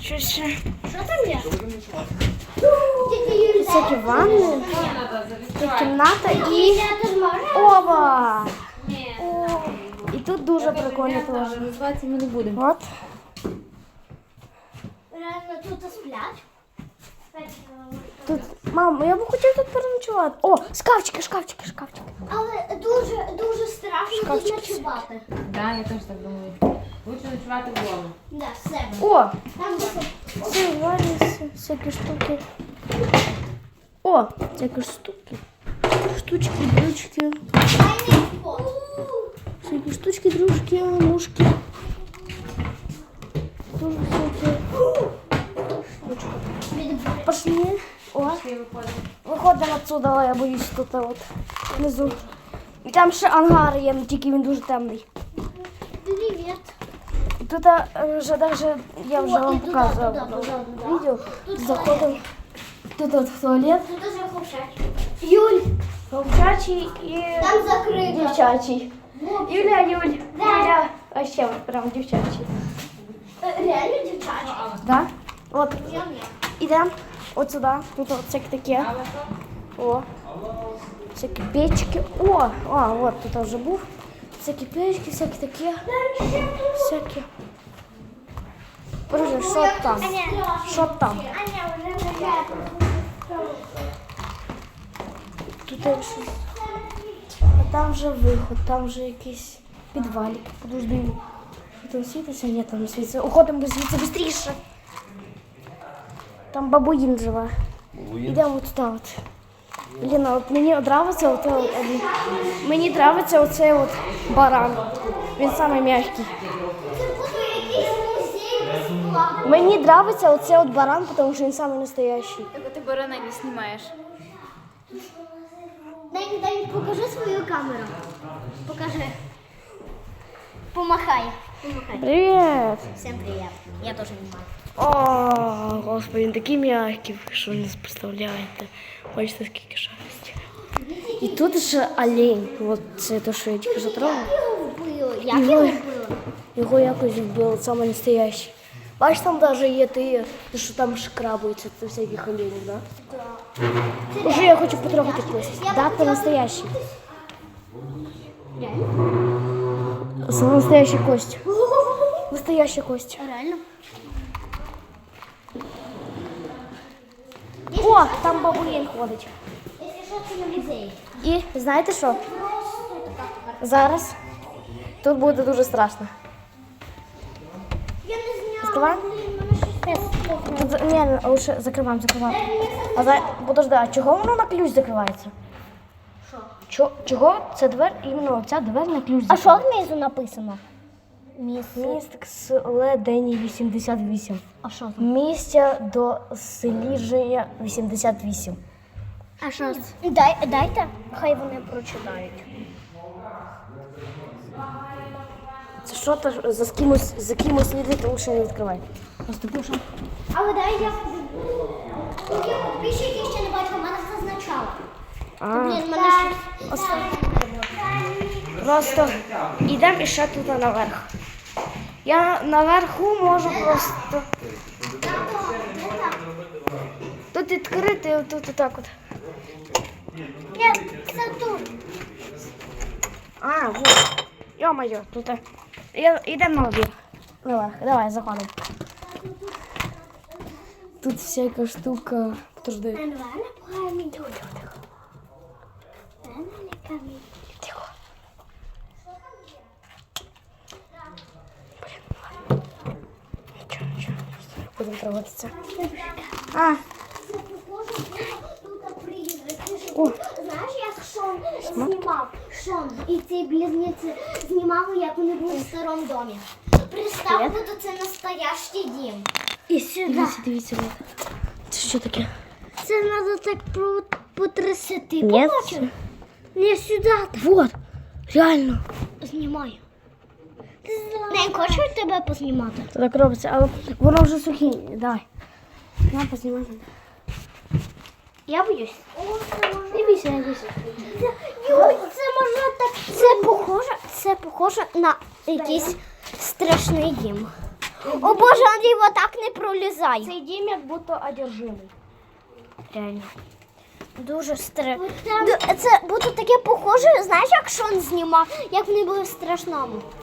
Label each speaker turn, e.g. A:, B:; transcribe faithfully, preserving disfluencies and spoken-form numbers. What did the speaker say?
A: щось ще.
B: Що там є?
A: Всякі ванни, тут кімната і ова! О, і тут дуже прикольно теж.
C: Називатися ми не будемо.
A: От.
B: Реально тут сплять.
A: Тут, мам, я б хотів тут переночувати. О, шкафчики, шкафчики, шкафчики.
B: Але дуже, дуже страшно тут
A: Шкафчики.
B: ночувати.
C: Да, я теж так думаю. Лучше ночувати вдома.
B: Да, все.
A: О,
B: Там буде.
A: це варіси, всякі штуки. О, всякі штуки. Штучки, дрючки.
B: Тайний вход.
A: Всякі штучки, дружки, мушки. Дуже всякі. Пошли. О, виходимо отсюда, я боюсь тут от внизу. І там ще ангар є, тільки він дуже темний.
B: Привіт.
A: І тут а, вже даже, я вже
B: О,
A: вам
B: і туди,
A: показувала
B: туди, туди, туди.
A: відео.
B: Тут
A: Заходимо. Тут от в туалет.
B: Тут дуже ховчать.
A: Юль, хлопчачий і
B: Там закрито.
A: дівчачий. Юля, Юль,
B: Да.
A: Юля. А ще от прям дівчачий.
B: Е, Реально дівчачі.
A: Да? От,
B: Я
A: ідемо от сюди. Тут от всяке таке. О. Всякі печки. О, а, от тут вже був. Всякі печки, всякі такі. Всякі. Боже, що там? Що там?
B: Аня вже не
A: Тут є щось. А там вже виход, там вже якийсь підвалик. Подожди. Там світиться? Ні, там не світиться. Уходимо звідси швидше. Там бабуїн живе. Йдемо от туди от. Ліна, от мені подобається от, от, от, мені подобається оцей от баран. Він самий м'який.
B: Це буде якийсь музей безплатно.
A: Мені подобається оцей от баран, тому що він самий настоящий.
C: Так ти барана не знімаєш.
B: Дай, дай, покажи свою камеру. Покажи. Помахай. Помахай.
A: Привіт!
B: Всем привет. Я тоже не могу.
A: О, господи, він такий м'який, що ви не представляєте. Бачите, скільки шерсті. І тут ще олень. От це те, що я тільки затрогала.
B: Його вбили. Як його вбили?
A: Його якось вбили, саме настоящий. Бачиш, там навіть є ти, що там шкрабуються, це всяких оленів, да?
B: Це
A: Уже я хочу потрогати кость.
B: Я
A: Да,
B: б
A: це
B: хотіла
A: настоящий.
B: Реально?
A: Це настоящая кость. Настоящая кость.
B: Реально?
A: О, там бабуїн ходить.
B: Якщо що, це не музей.
A: І знаєте що? Зараз тут буде дуже страшно.
B: Я не зняла.
A: Закриваємо?
B: Блін, мене щось
A: Тут, за- ні, лучше закриваємо, закриваємо. А за... Подожди, а чого воно на ключ закривається?
B: Що?
A: Чо... Чого ця двері, іменно ця двері на ключ
B: А що
A: закривається?
B: внизу написано? Місце.
A: Містик Селедені вісімдесят вісім.
B: А що там?
A: Місця до селіження вісімдесят вісім.
B: А що це? Дай, дайте, хай вони прочитають.
A: Це що то за кимось, за кимось слідити, лучше не відкривай. Просто пишу.
B: Але дай я... Тоді підписчики ще не бачили, мене зазначало.
A: А,
B: Блін, мене щось...
A: просто йдемо і ще тут наверх. Я наверху можу просто... Тут відкрити, тут отак от.
B: Ні, це тут.
A: А, вот. Ё-моё, тут... Я- Йдемо наверх. Наверх, давай, заходимо. Тут всяка штука. Подожди.
B: Реально поганий. Тихо, тихо, тихо. Реально камінь.
A: Тихо. Нічого, нічого. Будемо проводитися. А,
B: Це похоже, тут призрак.
A: О.
B: Знаєш, як Шон знімав? Шон і ці близнюці знімали, як вони були в старому домі. Представ, буде це настоящий дім.
A: і сюди. Дивіться, дивіться. Це що таке?
B: Це треба так потрясти.
A: Ні.
B: Не сюди.
A: Вот, реально.
B: Знімай. Не хочу тебе познімати.
A: Це так робиться, але воно вже сухе. Давай. На, познімай.
B: Я боюсь.
A: Дивіться, дивіться.
B: Юй, це може так. Це похоже, це похоже на якийсь страшний дім. О боже, Андрій, вот так не пролізай.
A: Цей дім як будто одержимий. Реально.
B: Дуже страшно. Це будто таке похоже, знаєш, як Шон знімав, як вони були в страшному.